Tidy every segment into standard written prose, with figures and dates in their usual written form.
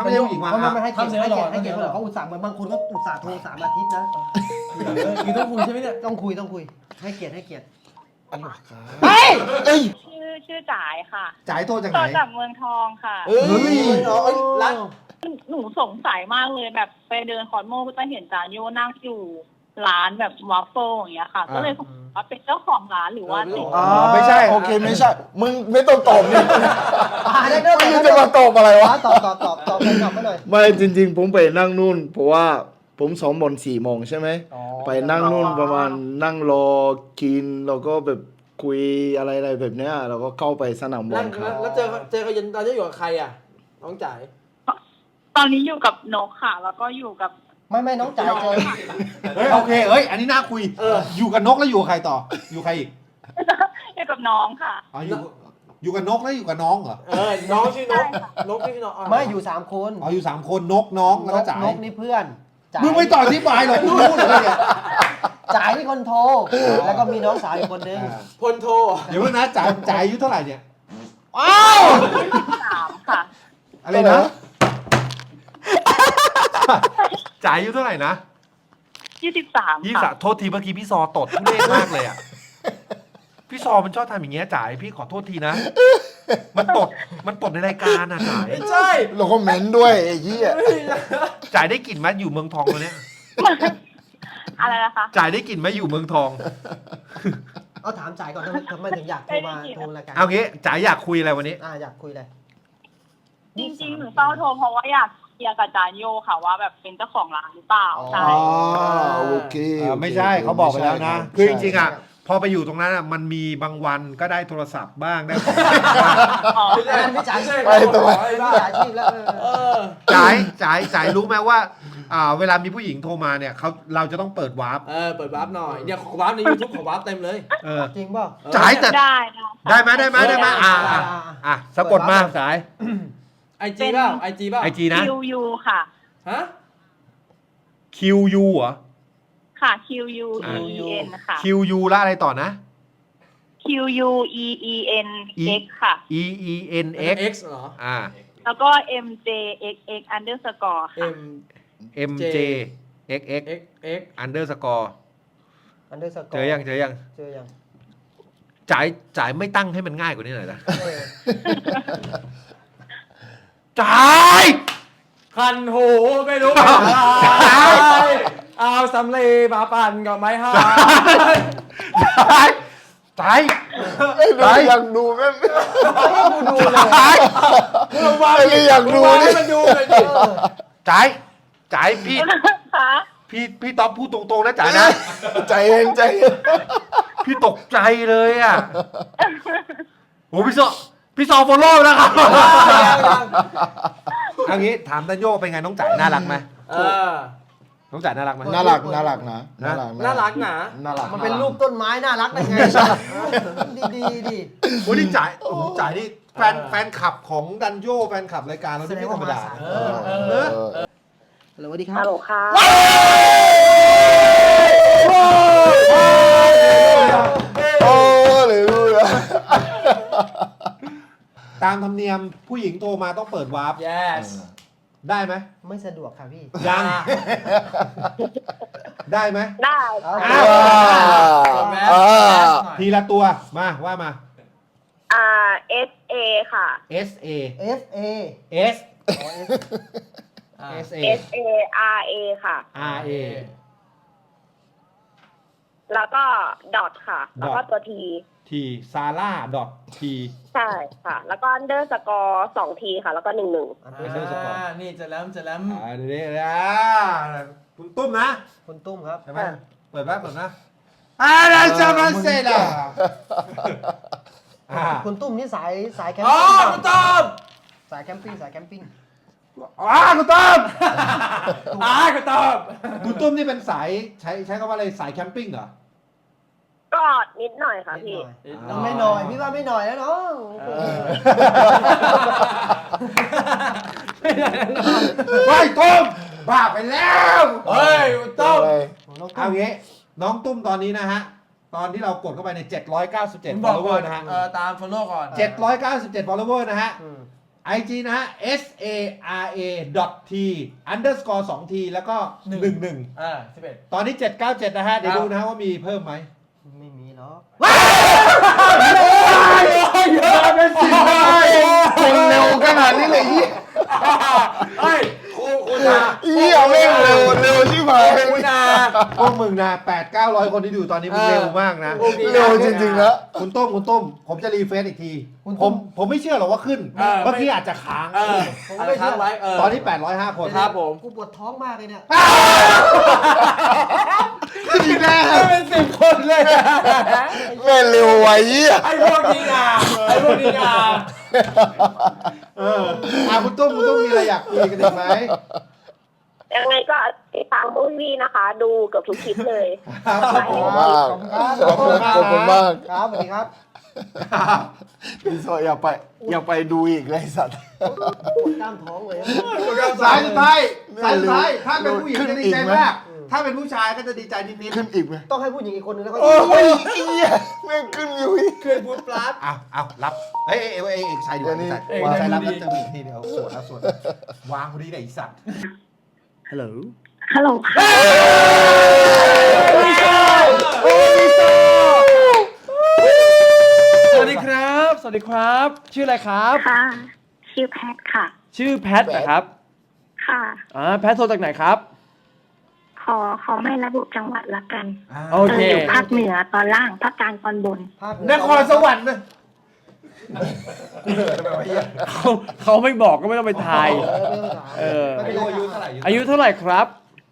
ไม่ใช่ผู้หญิงมาไม่ให้เกียรติให้เกียรติเขาอุตส่าห์เหมือนบางคนก็อุตส่าห์โทร3 อาทิตย์นะคือต้องคุยใช่ไหมเนี่ยต้องคุยให้เกียรติเฮ้ยชื่อจ๋ายค่ะจ่ายโทษจากโทไหนรจากเมืองทองค่ะเฮ้ยร้านหนูสงสัยมากเลยแบบไปเดินคอนโมก็จะเห็นจานโยนั่งอยู่ร้านแบบวาฟเฟิลอย่างเงี้ยค่ะ ก็เลยสงสัยว่าเป็นเจ้าของร้านหรือว่าติดไม่ใช่โอเคไม่ใช่ มึงไม่ต้องตอบนี่ได้เด้อมึงจะมาตอบอะไรวะตอบไปหน่อยไม่จริงๆ ผมไปนั่งนู่น เพราะว่าผมซ้อมบอล4 โมงใช่ไหม ไปนั่งนู่นประมาณนั่งรอกินแล้วก็แบบคุยอะไรแบบเนี้ยเราก็เข้าไปสนามบอนั่ลงครับแล้วเจอเขาตอนนี้อยู่กับใครอ่ะน้องจ๋ายตอนนี้อยู่กับนกค่ะ แล้วก็อยู่กับไม่น้องจ่ายเจอเฮ้ยโอเคเอ้ยอันนี้น่าคุยอยู่กับนกแล้วอยู่กับใครต่ออยู่ใครอีกอยู่กับน้องค่ะอ๋ออยู่กับนกแล้วอยู่กับน้องเหรอน้องชื่อนกนกชื่อน้องไม่อยู่3 คนอ๋ออยู่3 คนนกน้องแล้วก็จ่ายนกนี่เพื่อนจ่ายมึงไม่ต่อที่บายหรอกกูรู้เลยเนี่ยจ่ายนี่คนโทรแล้วก็มีน้องสาวอีกคนนึงพลโทเดี๋ยวนะจ่ายอายุเท่าไหร่เนี่ยอ้าว 3ค่ะอะไรนะจ่ายอายุเท่าไหร่นะ 23 ยี่ค่ะสะโทษทีเมื่อกี้พี่ซอตดทุเรศมากเลยอ่ะพี่ซอมันชอบทำอย่างเงี้ยจ่ายพี่ขอโทษทีนะมันตดในรายการนะจ่ายไม่ใช่แล้วก็เม้นด้วยไอ้เหี้ยจ่ายได้กลิ่นไหมอยู่เมืองทองตัวเนี้ยอะไรนะคะจ่ายได้กลิ่นไหมอยู่เมืองทองเอาถามจ่ายก่อนทำไมถึงอยากโทรรายการเอางี้จ่ายอยากคุยอะไรวันนี้อยากคุยเลยจริงๆหนูเฝ้าโทรเพราะว่าอยากเคลียร์กับจานโยค่ะว่าแบบเป็นเจ้าของร้านหรือเปล่าใช่โอเคไม่ใช่เขาบอกไปแล้วนะไม่ใช่คือจริงๆอ่ะพอไปอยู่ตรงนั้นอ่ะมันมีบางวันก็ได้โทรศัพท์บ้างได้ของบ้างอ๋อไม่จ่ายไปตัวไม่จ่ายชีพแล้วจ่ายรู้ไหมว่าเวลามีผู้หญิงโทรมาเนี่ยเราจะต้องเปิดวาร์ปเปิดวาร์ปหน่อยเนี่ยของวาร์ปใน YouTube ของวาร์ปเต็มเลยจริงเปล่าจ่ายแต่ได้ไหมสะกดมาสายไอจีเปล่าไอจีเปล่าไอจีนะ QU ค่ะฮะ QU เหรอค่ะ QUEEN ค่ะ QU แล้วอะไรต่อนะ QUEEN X ค่ะ EENX X เหรอแล้วก็ MJXX underscore ค่ะ M MJXX X X underscore เจอยังเจอยังจ่ายไม่ตั้งให้มันง่ายกว่านี้หน่อยนะจจ่ายคันหูไม่รู้เป็นอะไรเอาสำลีมาปั่นกับไม้ห้าจ่ายอยากดูแม่ให้กูดูเลยมึงวางอยากดูให้นี่มันดูเลยดิจ่ายพี่ค่ะพี่ต๊อบพูดตรงๆนะจ่ายนะใจเย็นใจเย็นพี่ตกใจเลยอ่ะโหพี่ซอฟอลโล่แล้วครับเอางี้ถามตันโยเป็นไงน้องจ่ายน่ารักไหมน้องจ่ายน่ารักไหมน่ารักนะน่ารักน่ารักหนาน่ารักมันเป็นรูปต้นไม้น่ารักได้ไงดีดิโอ้นี่จ่ายนี่แฟนคลับของดันโยแฟนคลับรายการเราไม่ธรรมดาสวัสดีครับฮัลโหลค่ะโอ้เลยรู้เลยตามธรรมเนียมผู้หญิงโทรมาต้องเปิดวาร์ป yes ได้ไหมไม่สะดวกค่ะพี่ยังได้ไหมได้ทีละตัวมาว่ามา SA ค่ะ SA FA S SA SARA ค่ะ RA แล้วก็ดอทค่ะ แล้วก็ตัว T T Sara T ใช่ค่ะ แล้วก็ underscore 2 T ค่ะ แล้วก็ 11 นี่จะแล้วจะแล้วเดี๋ยวคุณตุ้มนะคุณตุ้มครับใช่ไหมเปิดนะได้จะมาเสร็จแล้วคุณตุ้มนี่สายแคมอ๋อปิ้งคุณต้อมสายแคมปิ้งคุณตุ้มคุณต้อมคุณตุ้มนี่เป็นสายใช้คำว่าอะไรสายแคมปิ้งเหรอก็นิดหน่อยค่ะพี่ไม่หน่อยพี่ว่าไม่หน่อยแล้วน้องเฮ้ยตุ้มบ้าไปแล้วเฮ้ยคุณต้อมเอางี้น้องตุ้มตอนนี้นะฮะตอนที่เรากดเข้าไปใน797 ผมบอกก่อ follower นนะฮะตาม follow ก่อน 797 follower นะฮะ IG นะฮะ SARA.T_2T แล้วก็ 11 11 ตอนนี้ 797 นะฮะ เดี๋ยวดูนะฮะว่ามีเพิ่มไหมไม่มีหรอกเยอะเป็นสิบคนเร็วขนาดนี้เลยยี่เฮ้ยคุณอายี่เอาแม่งเร็วที่ไหนคุณอาพวกมึงนะ 800-900 คนที่ดูตอนนี้มึงเร็วมากนะเร็วจริงๆนะคุณต้ม ผมจะรีเฟซอีกที ผมไม่เชื่อหรอกว่าขึ้น เมื่อกี้อาจจะค้างผมไม่เชื่อไว้ตอนนี้ 805 คนครับผมกูปวดท้องมากเลยเนี่ยอีกแล้วเป็น10 คนเลยแม่งเร็วไว้ยี่ไอ้พวกนี้งาไอ้พวกนี้งาคุณตุ้มมีอะไรอยากคุยกันอีกไหมยังไงก็ติดตามมูฟวี่นะคะ ดูเกือบทุกคลิปเลยขอบคุณมากขอบคุณมากครับสวัสดีครับพี่โซอยากไปดูอีกเลยสัตว์ปวดกล้ามท้องเลยสายสุดท้ายสายสุดท้ายถ้าเป็นผู้หญิงจะดีใจมาก ถ้าเป็นผู้ชายก็จะดีใจนิดขึ้นอีกไหมต้องให้ผู้หญิงอีกคนนึงแล้วก็โอ้ยเหี้ยแม่งขึ้นอยู่อีกเคยพูดปลาดๆเอารับเอ้ยใส่ดูเดี๋ยวนี้ใส่รับแล้วจะมีทีเดียวสวนแล้วสวนวางพอดีกับไอ้สัตว์ฮัลโหลฮัลโหลค่ะสวัสดีครับ สวัสดีครับ ชื่ออะไรครับค่ะ ชื่อแพทค่ะชื่อแพทนะครับค่ะแพทโทรจากไหนครับขอไม่ระบุจังหวัดละกันโอเคอยู่ภาคเหนือตอนล่าง ภาคกลางตอนบนนครสวรรค์นะเขาไม่บอกก็ไม่ต้องไปทาย เอออายุเท่าไหร่อายุเท่าไหร่ครับ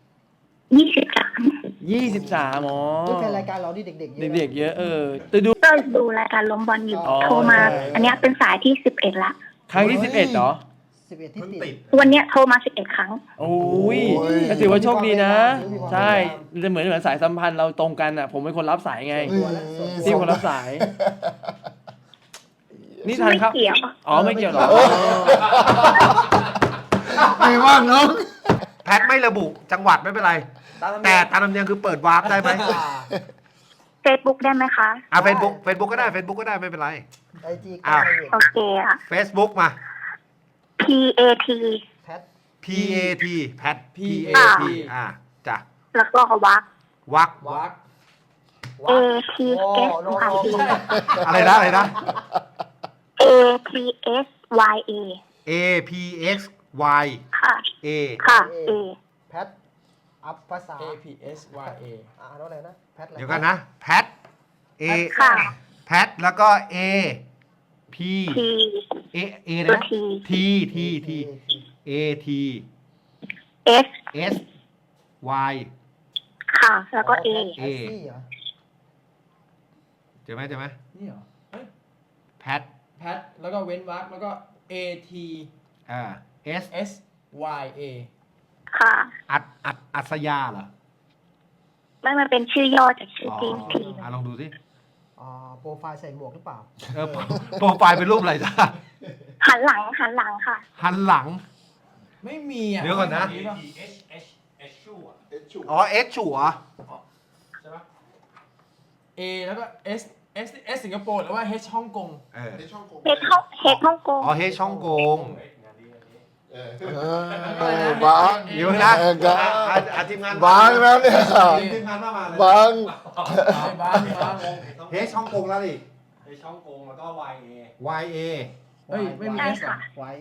23 23อ๋อนี่เป็นรายการเราที่เด็กๆเยอะเด็กๆเยอะแต่ดูก็ดูรายการล้มบอลอยู่อ๋อโทรมา อันเนี้ยเป็นสายที่ 11 ละครั้งที่ 11เหรอ 11ที่ติดวันเนี้ยโทรมา 11 ครั้งโอ้ยก็ถือว่าโชคดีนะ ใช่จะเหมือนสายสัมพันธ์เราตรงกันอ่ะ ผมเป็นคนรับสายไง พี่คนรับสาย นี่ทันไม่ครับเกี่ยวอ๋อไม่เกี่ยวหรอไม่ว่างน้องแพทไม่ระบุจังหวัดไม่เป็นไร แต่ตามธรรมเนียมคือเปิดวาร์ปได้ไหม Facebook ได้ไหมคะเฟซบุ๊กก็ได้ไม่เป็นไรไอจีอ้าวโอเคอ่ะ Facebook มา PAT แพท PAT แพท PAT จ้ะแล้วก็วักวักวัก ATS YA อะไรนะ ATSYA APX Y ค่ะ A ค่ะ A แพทอัพภาษา APSYA อ่านว่าอะไรนะแพทอะไรเดี๋ยวกันนะแพท A ค่ะแพทแล้วก็ A P T A ตัวนะ T T A T S S Y ค่ะ แล้วก็ A แพทซี่เหรอเจอไหมนี่เหรอแพทแพทแล้วก็เว้นวรรคแล้วก็ S ATSYA ค่ะอัศยาเหรอไม่มันเป็นชื่อย่อจากชื่อจริงทีลองดูสิโปรไฟล์ใส่หมวกหรือเปล่าโปรไฟล์เป็นรูปอะไรจ้าหันหลังค่ะหันหลังไม่มีอ่ะเดี๋ยวก่อนนะ อ๋อ X ชัวใช่ปะ A แล้วก็ S สิงคโปร์หรือว่า H ฮ่องกงเออเฮดฮ่องกงอ๋อเฮช่องกงบางเดี๋ยวนะทีมงานบางแล้วเนี่ยทีมงานมาเลยบางบ้างเฮช่องกงแล้วดิช่องกงแล้วก็ YA YA เฮ้ยไม่มีใช่ S เหรอค่ะ YA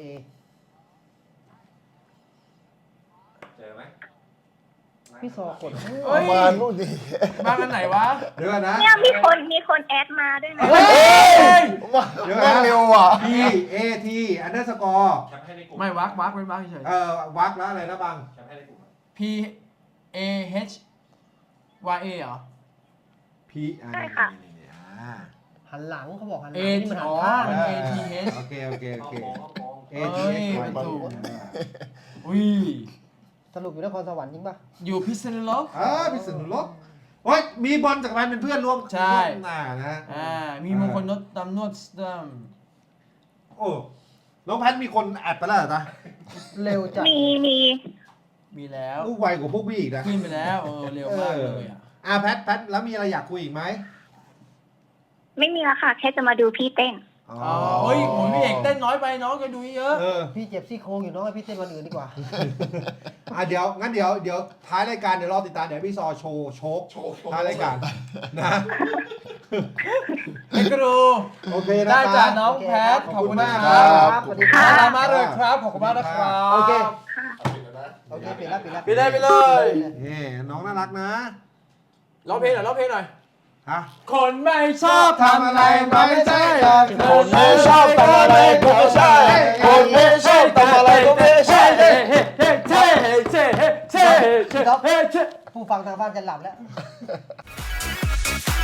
เจอไหมพี่ซอกดเฮ้ยมานู่นดิบ้านอันไหนวะเดี๋ยวก่อนนะเนี่ยมีคนแอดมาด้วยนะเฮ้ยแม่งเร็วอ่ะ P A T underscore ไม่วักเว้นวรรคเฉยวักแล้วอะไรนะบัง P A H Y A เหรอ P ใช่ค่ะหันหลังเขาบอกหันหลั A งนี่มันหันอ๋อข้างมัน A T H โอเค A เฮ้ T ย X มัน Y ถูก อุ้ยสรุปอยู่นครสวรรค์จริงป่ะอยู่พิษณุโลกพิษณุโลกโอ้ยมีบอลจากรเป็นเพื่อนร่วมใช่หน้านะมีมงคลนดตำนวดสตัมโอ้น้องแพทมีคนแอดไปแล้วเหรอจ๊ะเร็วจัดมีแล้วลูกไวกว่าพวกพี่อีกนะขึ้นไปแล้วเร็วมากเลยอ่ะแพทแล้วมีอะไรอยากคุยอีกไหมไม่มีแล้วค่ะ แค่จะมาดูพี่เต้นเฮ้ยผมพี่เอกเต้นน้อยไปน้องก็ดูเยอะพี่เจ็บซี่โครงอยู่น้องให้พี่เต้นวันอื่นดีกว่าเดี๋ยวท้ายรายการเดี๋ยวรอติดตามเดี๋ยวพี่ซอโชว์โชคท้ายรายการนะไอ้ครูโอเคนะได้คจ้ะรับน้องแพทขอบคุณนะขอบคุณคมากรับสวัสดีครัน่าบรักมากเลยครับขอบคุณมากนะครับโอเคค่ะโอเคปิดแล้วไปเลยนี่น้องน่ารักนะร้องเพลงหน่อยร้องเพลงหน่อยฮะคนไม่ชอบทำอะไรมันไม่ใช่คนไม่ชอบทำอะไรก็ไม่ใช่คนไม่ชอบทำอะไรก็ไม่ใช่เฮ้เฮ้เฮ้เฮ้เฮ้เฮ้เฮ้เฮ้เฮ้ผู้ฟังทางบ้านจะหลับแล้ว